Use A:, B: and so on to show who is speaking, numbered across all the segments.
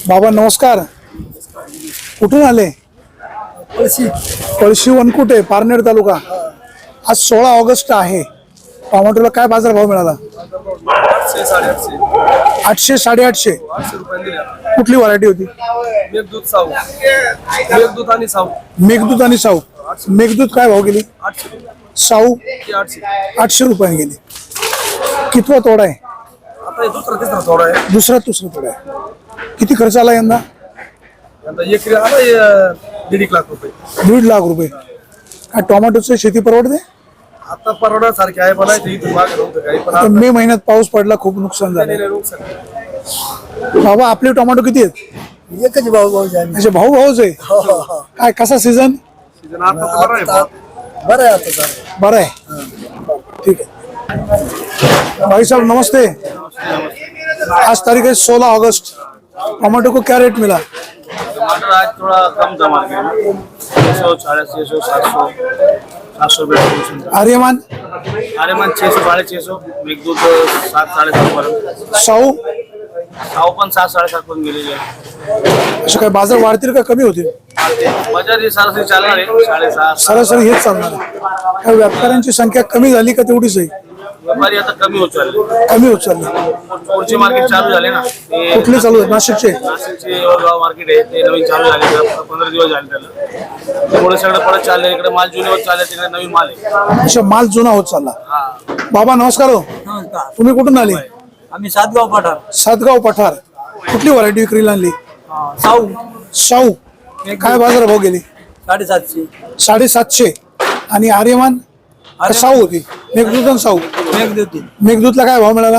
A: बाबा नमस्कार. कुठून आले? पळशी वनकुटे, पारनेर तालुका. आज 16 ऑगस्ट आहे. टोमॅटोला काय बाजार भाव मिळाला? 800 850. कुठली व्हरायटी होती? मेघदूत आणि साऊ. मेघदूत काय भाव गेली? साऊ 800 रुपये गेली. कितवा तोडा आहे? दुसरा तोडा आहे. किती खर्च आला यंदा?
B: 1.5 लाख रुपये.
A: 1.5 लाख रुपये. काय टोमॅटोची शेती परवडते?
B: आता परवडण्यासारखे आहे पण
A: आता मे महिन्यात पाऊस पडला, खूप नुकसान झालं. बाबा आपले टोमॅटो किती आहेत?
C: एकच भाऊ
A: अच्छा, भाऊच आहे. काय कसा सीझन?
C: बरं आहे आता सर.
A: बरं आहे. ठीक आहे भाई साहब नमस्ते. आज तारीख है 16 अगस्त. टमाटो को क्या रेट मिला?
B: टमाटर आज थोड़ा कम था मार्केट में, 600 650 700 700 रुपये.
A: आर्यमान
B: 600 650. मेघदूत 7 7.5 पर्यंत.
A: साऊ
B: पण 7 7.5 पर्यंत गेलेली आहे.
A: असे काय बाजार वाढतील का कमी होतील?
B: बाजार ही सरासरी चालणार आहे 7.5.
A: सरासरी हेच चालणार आहे. काय व्यापाऱ्यांची संख्या कमी झाली का तेवढीच आहे?
B: व्यापारी आता कमी होत चालले. पुढचे मार्केट चालू झाले ना.
A: कुठले चालू आहेत? नाशिकचे
B: यवतगाव मार्केट आहे ते नवीन चालू झाले. 15 दिवस झाले त्याला. त्यामुळे सगळं परत चाललंय. इकडे माल जुने होत चालले, तिकडे नवीन माल आहे.
A: अच्छा, माल जुना होत चालला. बाबा नमस्कार. हो, तुम्ही कुठून आले?
C: आम्ही सातगाव पठार.
A: सातगाव पठार. कुठली व्हरायटी विक्रीला आणली?
C: साऊ
A: साऊ. काय बाजार भाव गेली?
C: 750.
A: 750. आणि आर्यमान साऊ होती? मेघदूत आणि साऊ. मेघदूतला काय भाव मिळाला?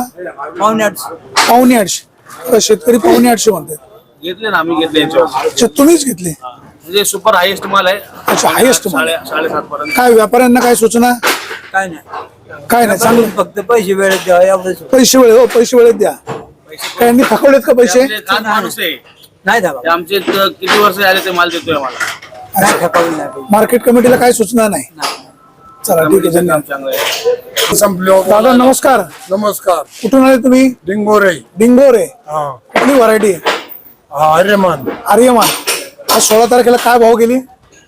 A: 850. शेतकरी 850 म्हणतात.
B: घेतले ना, आम्ही घेतले यांच्यावर.
A: अच्छा, तुम्हीच घेतले?
B: म्हणजे सुपर हायेस्ट माल आहे.
A: अच्छा, हायेस्ट माल.
B: 7.5 पर्यंत.
A: काय व्यापाऱ्यांना काय सूचना?
C: काय नाही
A: चांगलं.
C: फक्त पैसे वेळेत द्या एवढंच.
A: पैसे वेळेत द्या. काय यांनी थकवलेत का पैसे?
B: माणूस आहे
C: नाही दादा.
B: ते आमचे किती वर्ष आले ते माल देतोय आम्हाला.
C: नाही थकवलं नाही.
A: मार्केट कमिटीला काय सूचना नाही? चला ठीक आहे, धन्यवाद.
B: चांगलं आहे.
A: दादा नमस्कार.
C: नमस्कार.
A: कुठून आले तुम्ही?
C: डिंगोरे.
A: डिंगोरे. कुठली व्हरायटी आहे?
C: आर्यमान.
A: आर्यमान. आज 16 तारखेला काय भाव गेली?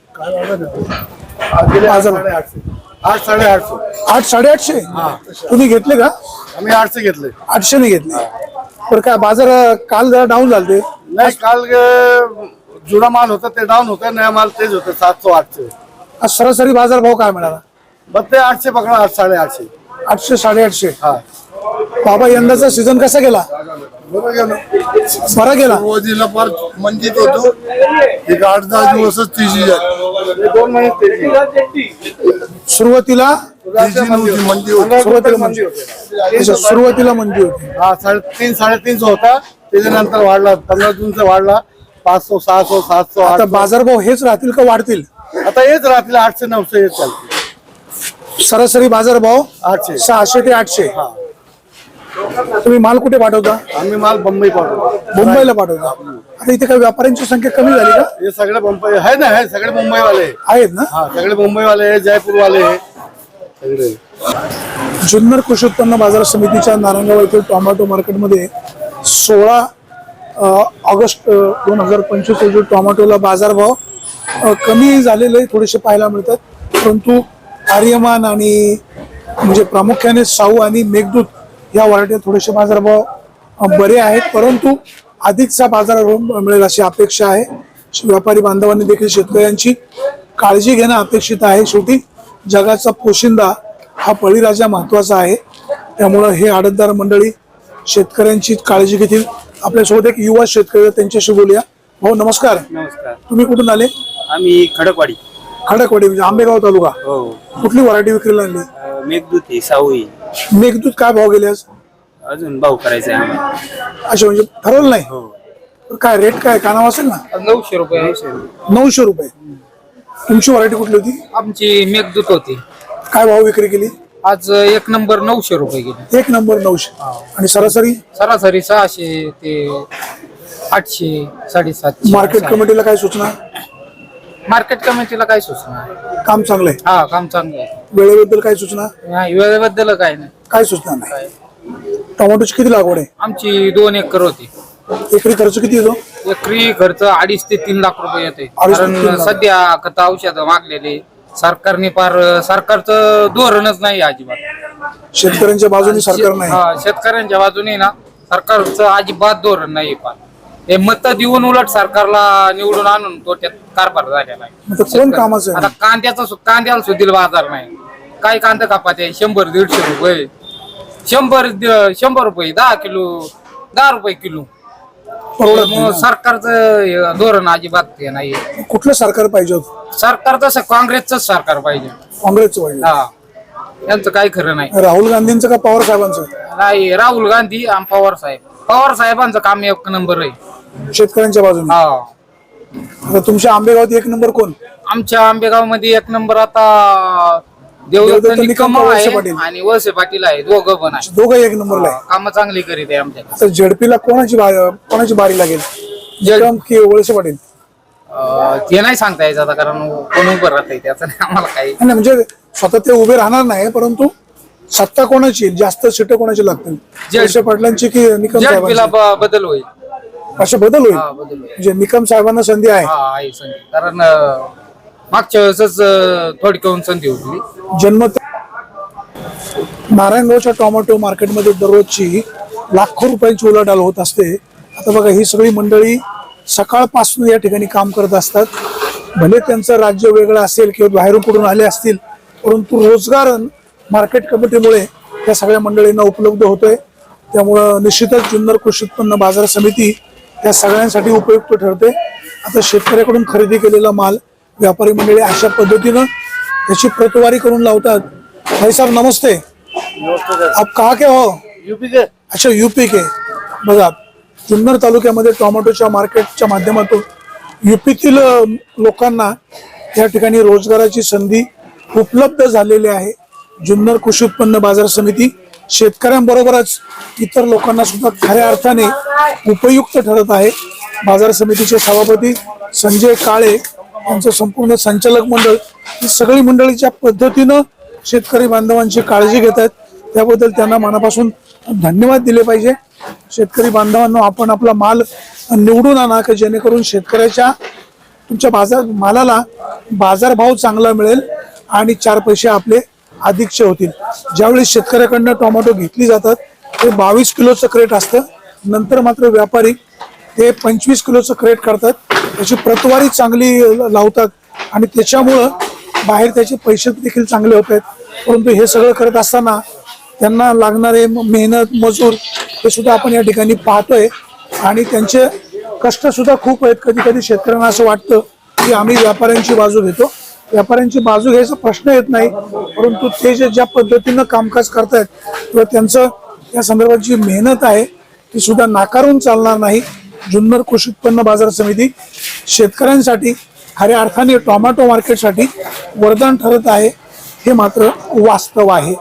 C: 8 850.
A: 8 850. तुम्ही घेतले का?
C: आम्ही 800 घेतले.
A: 800 ने घेतले. तर काय बाजार काल जरा डाऊन झाले?
C: नाही काल जुना माल होता ते डाऊन होता. नया माल तेच होतं 700 800.
A: आज सरासरी बाजार भाव काय मिळाला?
C: बघ ते 800 पकडा. 8 850.
A: 800 850.
C: हा
A: बाबा यंदाचा सीझन कसा गेला?
C: बरं गेलं.
A: बरा गेला.
C: सुरुवातीला फार मंदीत होतो. एक 8-10 दिवसच तेजी झाली. 2 महिने
A: सुरुवातीला
C: तेजी नव्हती, मंदी होती.
A: सुरुवातीला मंदी होती.
C: हा 350 350 होता. त्याच्यानंतर वाढला. 15 जूनचा वाढला 500 600 700
A: आता
C: 800.
A: बाजारभाव हेच राहतील का वाढतील?
C: आता हेच राहतील 800 900 येत चालते.
A: सरासरी बाजारभाव
C: 800.
A: 600 ते 800. तुम्ही माल कुठे पाठवता?
C: आम्ही माल बंबई पाठवतो.
A: मुंबईला पाठवता. आता इथे काही व्यापाऱ्यांची संख्या कमी झाली का?
C: हे सगळे मुंबई आहे ना. हे सगळे मुंबईवाले
A: आहेत ना?
C: हा सगळे मुंबईवाले जयपूरवाले सगळे.
A: जुन्नर कृषी उत्पन्न बाजार समितीच्या नारायणगाव येथील टोमॅटो मार्केटमध्ये 16 ऑगस्ट 2025 रोजी टोमॅटोला बाजारभाव कमी झालेले थोडेसे पाहायला मिळतात. परंतु आर्यमान आणि म्हणजे प्रामुख्याने साऊ आणि मेघदूत या व्हरायटी थोडेसे बाजारभाव बरे आहेत. परंतु अधिकचा बाजारभाव मिळेल अशी अपेक्षा आहे. व्यापारी बांधवांनी देखील शेतकऱ्यांची काळजी घेणं अपेक्षित आहे. शेवटी जगाचा पोशिंदा हा बळीराजा महत्वाचा आहे. त्यामुळं हे आडतदार मंडळी शेतकऱ्यांची काळजी घेतील. आपल्यासोबत एक युवा शेतकरी, त्यांच्याशी बोलूया. भाऊ नमस्कार.
B: नमस्कार.
A: तुम्ही कुठून आले?
B: आम्ही खडकवाडी.
A: खडकवाडी म्हणजे आंबेगाव तालुका.
B: हो.
A: कुठली व्हरायटी विक्रीला आणली?
B: मेघदूत आहे, साऊ आहे.
A: मेघदूत काय भाव गेले आज?
B: अजून भाऊ करायचा आहे आम्हाला.
A: अच्छा, म्हणजे ठरवलं नाही. तर काय रेट काय कानावर असेल ना?
B: 900 रुपये.
A: 900 रुपये. तुमची व्हरायटी कुठली होती?
D: आमची मेघदूत होती.
A: काय भाव विक्री केली
D: आज? 1 नंबर 900 रुपये गेली.
A: 1 नंबर 900. आणि सरासरी
D: सरासरी 600 ते 800 750.
A: मार्केट कमिटीला काय सूचना?
D: मार्केट कमिटीला काय सूचना?
A: काम चांगलंय.
D: हा काम चांगलं आहे.
A: वेळेबद्दल काय सूचना?
D: वेळेबद्दल काय नाही.
A: काय सूचना नाही. टोमॅटोची किती लागवड आहे?
D: आमची 2 एकर होती.
A: एकरी खर्च किती येतो?
D: एकरी खर्च 2.5 ते 3 लाख रुपये येते.
A: 2.5 ते 3
D: कारण
A: लाख.
D: सध्या खत औषध मागलेले सरकारने सरकारचं धोरणच नाही अजिबात.
A: शेतकऱ्यांच्या बाजूने सरकार नाही.
D: हा, शेतकऱ्यांच्या बाजूने ना सरकारचं अजिबात धोरण नाही. पण हे मत देऊन उलट सरकारला निवडून आणून तोट्यात कारभार झालेला आहे.
A: मग ते कोण कामाचं
D: आता
A: आहे?
D: कांद्याला सुद्धा बाजार नाही. काय कांदा कापात आहे 100-150 रुपये, 100 रुपये 10 किलो, 10 रुपये किलो.
A: परवडत नाही
D: मग
A: ना.
D: सरकारचं हे धोरण अजिबात हे नाही.
A: कुठलं सरकार पाहिजे होतं?
D: सरकार तसं काँग्रेसच सरकार पाहिजे.
A: काँग्रेसचं पाहिजे.
D: हा, यांचं काही खरं नाही.
A: राहुल गांधींचं का पवार साहेबांचं?
D: नाही, राहुल गांधी आणि पवार साहेबांचं काम 1 नंबर आहे.
A: शेतकऱ्यांच्या बाजूने.
D: हा,
A: आता तुमच्या आंबेगावात 1 नंबर कोण?
D: आमच्या आंबेगाव मध्ये 1 नंबर आता देवदत्त
A: देवदत्त
D: निकम
A: निकम, वळसे
D: आहे
A: पाटील.
D: आणि वळसे पाटील आहे. दोघं पण आहे.
A: दोघं 1 नंबरला आहे.
D: काम चांगली करीत आहे आमच्याकडे.
A: आता झेडपीला कोणाची बारी लागेल? निकम की वळसे पाटील?
D: ते नाही सांगता यायचं आता, कारण कोण उभं राहत त्याचं नाही आम्हाला काही.
A: नाही म्हणजे स्वतः ते उभे राहणार नाही, परंतु सत्ता कोणाची येईल? जास्त सीट कोणाची लागतील? वळसे पाटलांची की निकम
D: झेडपीला
A: साहेबांची?
D: बदल होईल.
A: असे बदल होईल
D: हा, बदल होईल.
A: म्हणजे निकम साहेबांना संधी आहे.
D: हा, आहे संधी. कारण मागच्या वेळेसच थोडी करून संधी होती.
A: जन्मत नारायणगावच्या टोमॅटो मार्केटमध्ये दररोजची लाखो रुपयांची उलाढाल होत असते. आता बघा, ही सगळी मंडळी सकाळपासून या ठिकाणी काम करत असतात. भले त्यांचं राज्य वेगळं असेल किंवा बाहेरून कुठून आले असतील, परंतु रोजगार मार्केट कमिटीमुळे या सगळ्या मंडळींना उपलब्ध होतोय. त्यामुळं निश्चितच जुन्नर कृषी उत्पन्न बाजार समिती या सगळ्यांसाठी उपयुक्त ठरते. आता शेतकऱ्याकडून खरेदी केलेला माल व्यापारी मंडळी अशा पद्धतीनं त्याची प्रतवारी करून लावतात. भाई साहब नमस्ते. आप कहाँ के हो?
C: यूपी के.
A: अच्छा, यूपी के. बघा, जुन्नर तालुक्यामध्ये टोमॅटोच्या मार्केटच्या माध्यमातून यूपीतील लोकांना या ठिकाणी रोजगाराची संधी उपलब्ध झालेली आहे. जुन्नर कृषी उत्पन्न बाजार समिती शेतकऱ्यांबरोबरच इतर लोकांना सुद्धा खऱ्या अर्थाने उपयुक्त ठरत आहे. बाजार समितीचे सभापती संजय काळे यांचं संपूर्ण संचालक मंडळ ही सगळी मंडळी ज्या पद्धतीनं शेतकरी बांधवांची काळजी घेत आहेत, त्याबद्दल त्यांना मनापासून धन्यवाद दिले पाहिजे. शेतकरी बांधवांनो, आपण आपला माल निवडून आणा की जेणेकरून शेतकऱ्याच्या तुमच्या मालाला बाजारभाव चांगला मिळेल आणि 4 पैसे आपले अधिकचे होतील. ज्यावेळी शेतकऱ्याकडनं टोमॅटो घेतली जातात ते 22 किलोचं क्रेट असतं. नंतर मात्र व्यापारी ते 25 किलोचं क्रेट करतात. त्याची प्रतवारी चांगली लावतात आणि त्याच्यामुळं बाहेर त्याचे पैसे देखील चांगले होत आहेत. परंतु हे सगळं करत असताना त्यांना लागणारे मेहनत मजूर हे सुद्धा आपण या ठिकाणी पाहतोय आणि त्यांचे कष्ट सुद्धा खूप आहेत. कधी कधी शेतकऱ्यांना असं वाटतं की आम्ही व्यापाऱ्यांची बाजू घेतो. व्यापाऱ्यांची बाजू घ्यायचा प्रश्न येत नाही, परंतु ते ज्या पद्धतीनं कामकाज करतायत किंवा त्यांचं या संदर्भात जी मेहनत आहे ती सुद्धा नाकारून चालणार नाही. जुन्नर कृषी उत्पन्न बाजार समिती शेतकऱ्यांसाठी खऱ्या अर्थाने टोमॅटो मार्केटसाठी वरदान ठरत आहे, हे मात्र वास्तव आहे.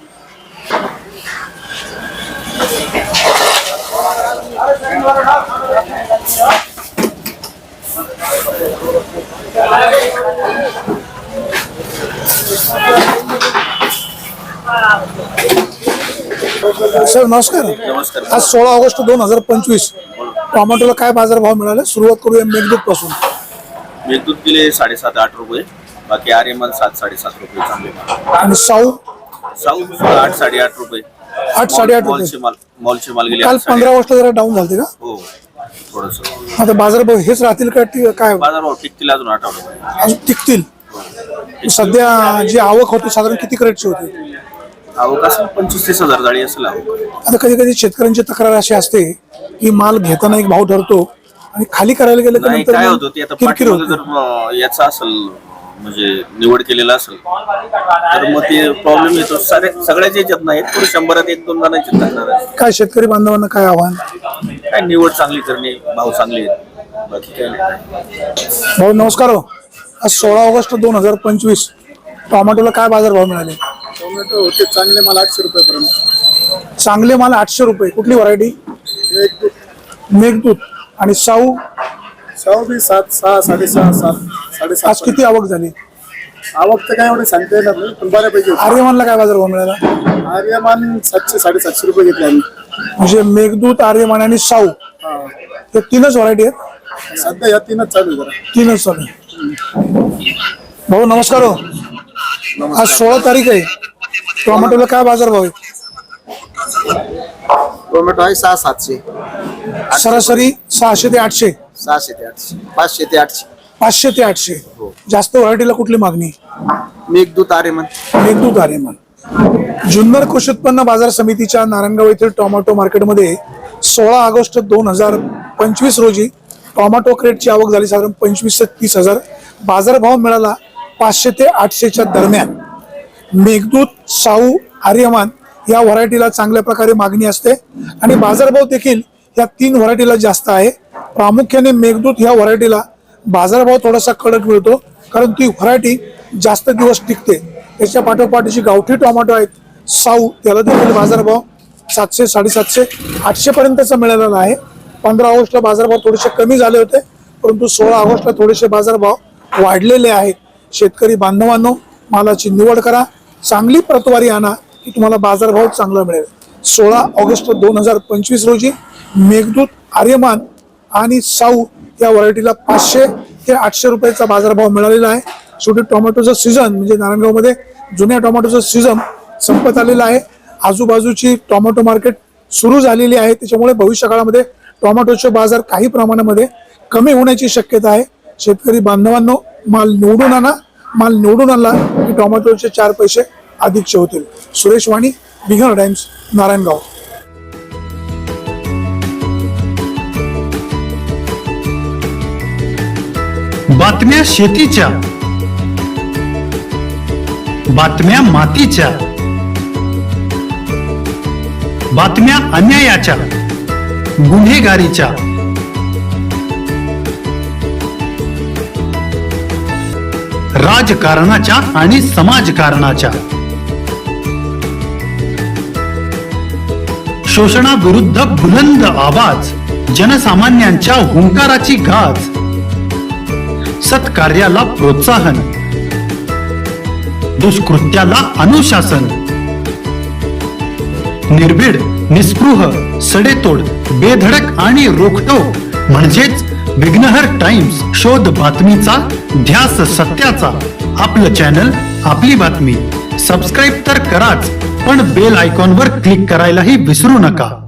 A: सर नमस्कार.
B: नमस्कार.
A: आज 16 ऑगस्ट 2025 टोमॅटोला काय बाजारभाव मिळाला? सुरुवात करूया मेघदूत पासून.
B: मेघदूत गेले 7.5-8 रुपये. बाकी आर्यमान 7-7.5 रुपये चांगले माल.
A: आणि साऊ
B: साऊ 8-8.5 रुपये.
A: 8-8.5 रुपये.
B: मॉलचे माल गेले
A: काल
B: 8-8.5.
A: 15 ऑगस्ट जरा डाऊन झालते का?
B: हो, थोडस
A: आता बाजारभाव हेच राहतील का काय
B: बाजारभाव टिकतील अजून आठवडा.
A: अजून टिकतील? सध्या जी आवक होती साधारण किती क्रेटची होती?
B: आवक असेल 25-30 हजार जाळी असेल आवक.
A: आता कधी कधी शेतकऱ्यांची तक्रार अशी असते की माल घेताना एक भाव ठरतो आणि खाली करायला गेलं की
B: नाही,
A: नंतर
B: काय
A: मग
B: होतं ते आता
A: किरकिर
B: पाठीमागे
A: होते.
B: जर याचा असेल म्हणजे निवड केलेला असेल तर मग ते प्रॉब्लेम येतो. सगळ्याच याच्यात नाही, थोडं 100त 1-2 जणांची तक्रार आहे.
A: काय शेतकरी बांधवांना काय आव्हान?
B: काय निवड चांगली करणे, भाव चांगले आहेत, बाकी काय नाही.
A: भाऊ नमस्कार. हो, आज 16 ऑगस्ट 2025 टोमॅटोला काय बाजारभाव मिळाले?
C: टोमॅटो होते चांगले माल 800 रुपयापर्यंत.
A: चांगले माल 800 रुपये. कुठली व्हरायटी? मेघदूत. आणि साऊ?
C: साऊ बी 7-6, 6.5, 7, 7.5.
A: आज किती आवक झाली?
C: आवक तर काय एवढे सांगता येणार नाही, पण बऱ्यापैकी होती.
A: आर्यमानला काय बाजारभाव मिळाला?
C: आर्यमान 700-750 रुपये घेतले आम्ही.
A: म्हणजे मेघदूत, आर्यमान आणि साऊ
C: हा.
A: हे तीनच व्हरायटी आहेत.
C: सध्या या तीनच चालू आहे जरा.
A: तीनच चालू आहे. भाऊ नमस्कार हो. आज 16 तारीख आहे. टोमॅटोला काय बाजार भाव आहे?
E: टोमॅटो आहे 600-700,
A: सरासरी 600 ते 800,
E: 600 ते 800, 500 ते 800.
A: 500 ते 800. जास्त व्हरायटीला कुठली मागणी?
E: मेघदूत आर्यमन.
A: मेघदूत आर्यमान. जुन्नर कृषी उत्पन्न बाजार समितीच्या नारायणगाव येथील टोमॅटो मार्केटमध्ये 16 ऑगस्ट 2025 रोजी टोमॅटो क्रेटची आवक झाली साधारण 25 ते 30 हजार. बाजारभाव मिळाला 500 ते 800च्या दरम्यान. मेघदूत, साऊ, आर्यमान या व्हरायटीला चांगल्या प्रकारे मागणी असते आणि बाजारभाव देखील या 3 व्हरायटीला जास्त आहे. प्रामुख्याने मेघदूत ह्या व्हरायटीला बाजारभाव थोडासा कडक मिळतो कारण ती व्हरायटी जास्त दिवस टिकते. त्याच्या पाठोपाठ जी गावठी टोमॅटो आहेत साऊ, त्याला देखील बाजारभाव 700, 750, 800 पर्यंतचा मिळालेला आहे. 15 ऑगस्टला बाजारभाव थोडेसे कमी झाले होते परंतु 16 ऑगस्टला थोडेसे बाजारभाव वाढलेले आहेत. शेतकरी बांधवांनो, मालाची निवड करा, चांगली प्रतवारी आणा की तुम्हाला बाजारभाव चांगला मिळेल. 16 ऑगस्ट 2025 रोजी मेघदूत, आर्यमान आणि साऊ या व्हरायटीला 500 ते 800 रुपयाचा बाजारभाव मिळालेला आहे. शेवटी टोमॅटोचं सीझन म्हणजे नारायणगावमध्ये जुन्या टोमॅटोचं सीझन संपत आलेलं आहे. आजूबाजूची टोमॅटो मार्केट सुरू झालेली आहे. त्याच्यामुळे भविष्य काळामध्ये टोमॅटोचे बाजार काही प्रमाणामध्ये कमी होण्याची शक्यता आहे. शेतकरी बांधवांनो, माल निवडून आणा. माल निवडून आणला की टोमॅटोचे 4 पैसे अधिकचे होतील. सुरेश वाणी, बिगर टाइम्स, नारायणगाव.
F: बातम्या शेतीच्या, बातम्या मातीच्या, बातम्या अन्यायाच्या, गुन्हेगारीच्या, राजकारणाच्या आणि समाजकारणाच्या, शोषणाविरुद्ध बुलंद आवाज, जनसामान्यांच्या हुंकाराची गाज, सत्कार्याला प्रोत्साहन, दुष्कृत्याला अनुशासन, निर्भीड, निस्पृह, सडेतोड, बेधडक आणि रोखटोक म्हणजेच विघ्नहर टाइम्स. शोध बातमीचा, ध्यास सत्याचा. आपलं चॅनल, आपली बातमी. सबस्क्राईब तर कराच, पण बेल आयकॉनवर क्लिक करायलाही विसरू नका.